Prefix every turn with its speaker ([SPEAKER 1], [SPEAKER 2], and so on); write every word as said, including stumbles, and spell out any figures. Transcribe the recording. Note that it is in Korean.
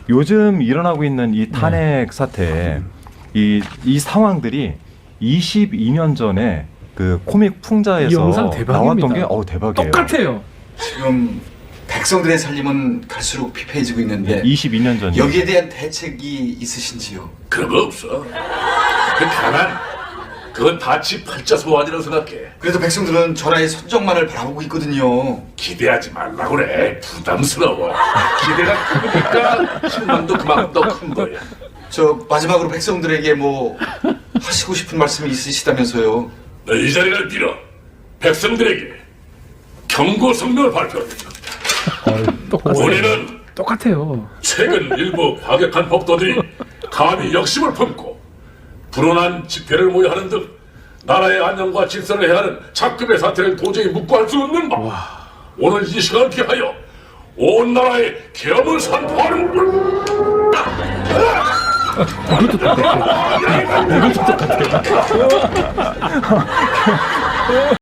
[SPEAKER 1] 요즘 일어나고 있는 이 탄핵 사태, 이, 이 상황들이 이십이 년 전에 그 코믹 풍자에서
[SPEAKER 2] 이 영상 대박입니다.
[SPEAKER 1] 나왔던 게 어, 대박이에요.
[SPEAKER 2] 똑같아요.
[SPEAKER 3] 지금 백성들의 살림은 갈수록 피폐해지고 있는데
[SPEAKER 1] 이십이 년 전이요.
[SPEAKER 3] 여기에 대한 대책이 있으신지요?
[SPEAKER 4] 그런 거 없어. 그 가난, 그건 다치 팔자 소환이라고 생각해.
[SPEAKER 3] 그래도 백성들은 전하의 선정만을 바라보고 있거든요.
[SPEAKER 4] 기대하지 말라고 그래. 부담스러워. 기대가 크니까 실망도 그만큼 더 큰 거야.
[SPEAKER 3] 저 마지막으로 백성들에게 뭐 하시고 싶은 말씀이 있으시다면서요?
[SPEAKER 4] 이 자리를 빌어 백성들에게 경고 성명을 발표합니다.
[SPEAKER 2] 똑같아요.
[SPEAKER 4] 우리는
[SPEAKER 2] 똑같아요.
[SPEAKER 4] 최근 일부 과격한 법도들이 감히 역심을 품고 불온한 집회를 모여하는 등 나라의 안녕과 질서를 해하는 작급의 사태를 도저히 묵고할 수 없는 바 오늘 이 시간을 피하여 온 나라에 계엄을 선포하는
[SPEAKER 2] 이것도 똑같아요. 이것도 똑같아요.